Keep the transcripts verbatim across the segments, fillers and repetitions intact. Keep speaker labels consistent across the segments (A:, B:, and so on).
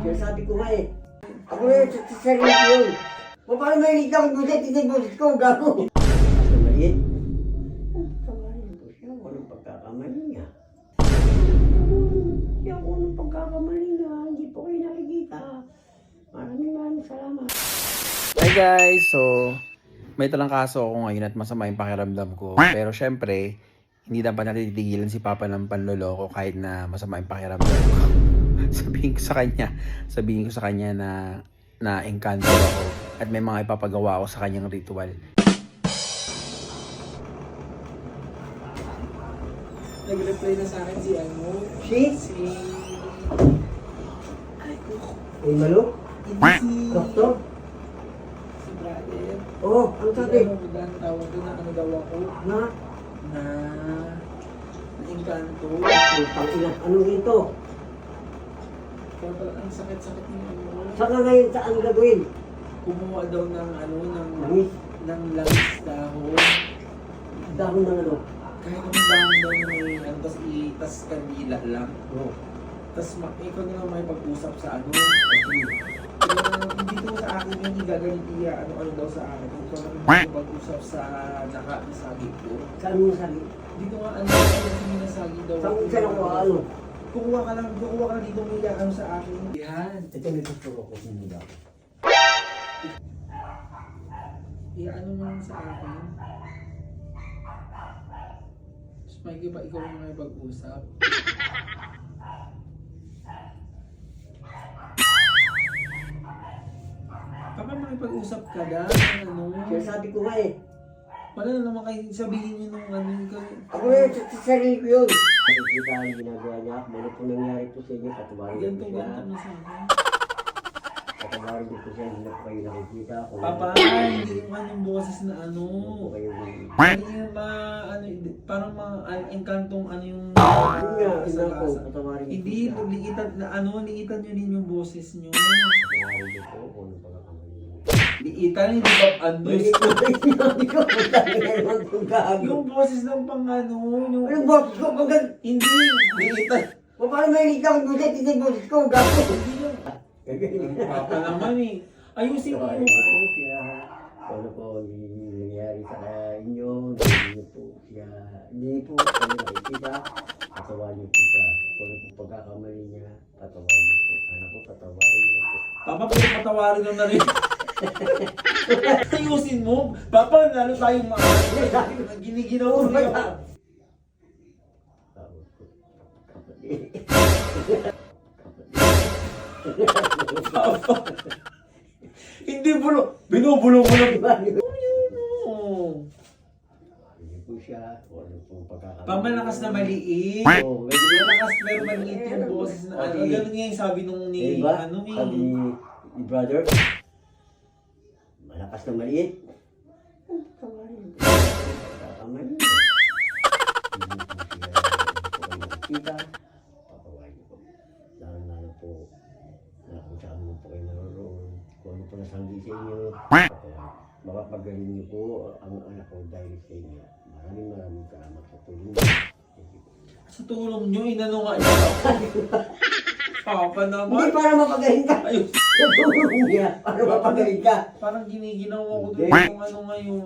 A: Kaya sabi ko nga eh. Ako na sa sa sarili ko yun. O paano may ilig akong buset, hindi buset ko, gago. Kasi maliit. Tawarin ko siya, walang pagkakamali niya. Hindi ako ng pagkakamali niya, hindi po kayo nakikita. Maraming maraming salamat.
B: Hi guys! So, may talangkaso ako ngayon at masama yung pakiramdam ko. Pero syempre, hindi dapat natin titigilan si Papa ng panloloko kahit na masama yung pakiramdam ko. Sabihin ko sa kanya, sabihin ko sa kanya na na engkanto ako at may mga ipapagawa ako sa kanyang ritual.
C: Nag-reply na sa akin si ano?
A: Si?
C: Si... Ay, ko.
A: Ay, malo?
C: Hindi si...
A: Doktor?
C: Si brother.
A: Oo, ano sabi?
C: Ano ba ang tawag doon na ano daw ako?
A: Na?
C: Na... Na-engkanto.
A: Ang tangina, anong ito?
C: Kaya pala ang sakit-sakit ng ano.
A: Saka ngayon saan gagawin?
C: Kumuha daw ng ano, ng...
A: Langis?
C: ng langis dahon.
A: Dahon ng ano?
C: Kahit ang dahon daw na may ano, tas itas kandila lang.
A: Oo.
C: Tas ma- ikaw na lang may pag-usap sa ano. Pero hindi ko sa akin yung igagalit iya ano-ano daw sa akin. Ikaw na lang pag-usap sa naka-nasagi ko.
A: Saan mo sabi?
C: Hindi ko nga ano yung minasagi daw.
A: Saan saan ako ano?
C: Kukuha ka lang, kukuha ka lang dito may ano sa akin. Yan.
A: Ito may tuturo ko sa nila.
C: Iyaano mo lang sa akin. Tapos may iba ikaw yung may pag-usap. Kapag may pag-usap ka na, ano,
A: Kaya sabi ko nga eh.
C: wala na naman kayo sabihin nyo nung ano, ikaw.
A: Ako na sa sa sarili ko yun. Nakikita ang ginagawa niya. Ano po nangyari po sa inyo? Patawarin ko
C: Ganto,
A: siya.
C: ganto na sa akin.
A: Patawarin ko siya. Hindi na po kayo nakikita. Kung
C: Papa, hindi yung kanyang boses na ano.
A: Ano po kayo
C: Hindi yung ma, ano, parang mga uh, engkantong ano yung
A: Yun nga,
C: sa
A: ina ko.
C: lasa.
A: Patawarin ko
C: Hindi,
A: siya.
C: liitan na ano, liitan nyo din yung boses nyo.
A: Patawarin ko po kung ano pagkakamali niya.
C: Liitan, hindi ba ano?
A: Maliit ko ba yung sinabi ko? Patawarin naman kung gago.
C: Yung boses ng pang ano, yung...
A: Anong boses ko? Pagkat...
C: Hindi, liitan.
A: O paano may ilig akong buset, hindi boses ko, gago.
C: Hindi yung... Papa naman eh. Ayusin mo.
A: Patawarin ko po siya. Kung ano po nangyari sa inyo. Hindi niyo po siya. Hindi po kayo nakikita. Patawarin niyo po siya. Kung ano po pagkakamali niya. Patawarin niyo po. Anak ko, patawarin niyo po.
C: Papa, pwede patawarin lang na rin. Ayusin mo. Papa, lalo tayong mga... Giniginaw ko rin ako.
A: Tawag ko. Kapatid.
C: Papa. Hindi bulo. Binubulong mo lang. Oo.
A: Hindi po siya. Kung ano po pagkakamali.
C: Pamalakas na maliit.
A: Oo, medyo
C: Malakas pero maliit yung boses na ano. Ganun nga yung sabi nung ni...
A: Diba?
C: Ano eh.
A: Sabi ni brother, malakas na maliit. Tawarin ko. Tawarin ko. Hindi po siya, hindi po kayo nakikita. Patawarin ko. Lalo-lalo po, na kung saan mo po kayo naroon, kung ano po nasanggi sa inyo, patawarin. Makapagaling niyo po ang anak ko dahil sa inyo. Maraming maraming salamat sa tulong.
C: Sa tulong nyo, inano nga niya ako. Papa
A: Hindi
C: naman.
A: para mapagaling ka.
C: Ayun.
A: Sa tulong niya, para mapagaling ka.
C: Parang giniginaw ako doon
A: Hindi.
C: kung ano ngayon.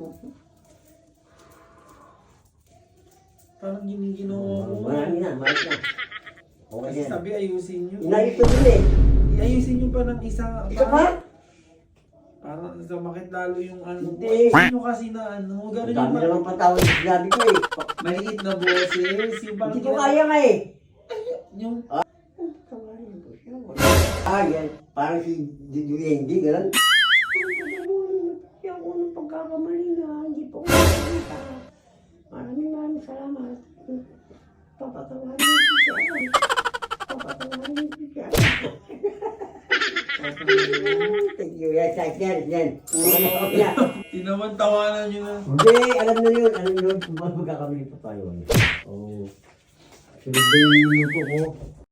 C: Parang giniginaw ako.
A: Marami na, marami na. Okay
C: Kasi
A: na.
C: sabi ayusin nyo.
A: Inayos ko din eh.
C: Ayusin nyo pa ng isa.
A: Isa pa?
C: Parang sumakit lalo yung ano.
A: Hindi.
C: Ayusin nyo kasi na ano. Ganun
A: Ang
C: yung
A: dami
C: ma-
A: naman patawad sa sinabi ko eh.
C: maliit na boses. Yung parang
A: Hindi ko kaya nga eh.
C: Yung
A: Tawarin ko siya. Ah, yan. Parang si Duyendi, gano'n. Siya ko ng pagkakamali niya. Hindi po ko nakikita. Maraming maraming salamat. Papatawarin ko siya. Papatawarin ko siya. Thank you. Yan, sa yan, yan. Yan.
C: tinaman-tawanan nyo na.
A: Hindi, alam na yun. Alam na yun kung paano magkakamali pa tayo. Oo. Sunod na yung minuto ko.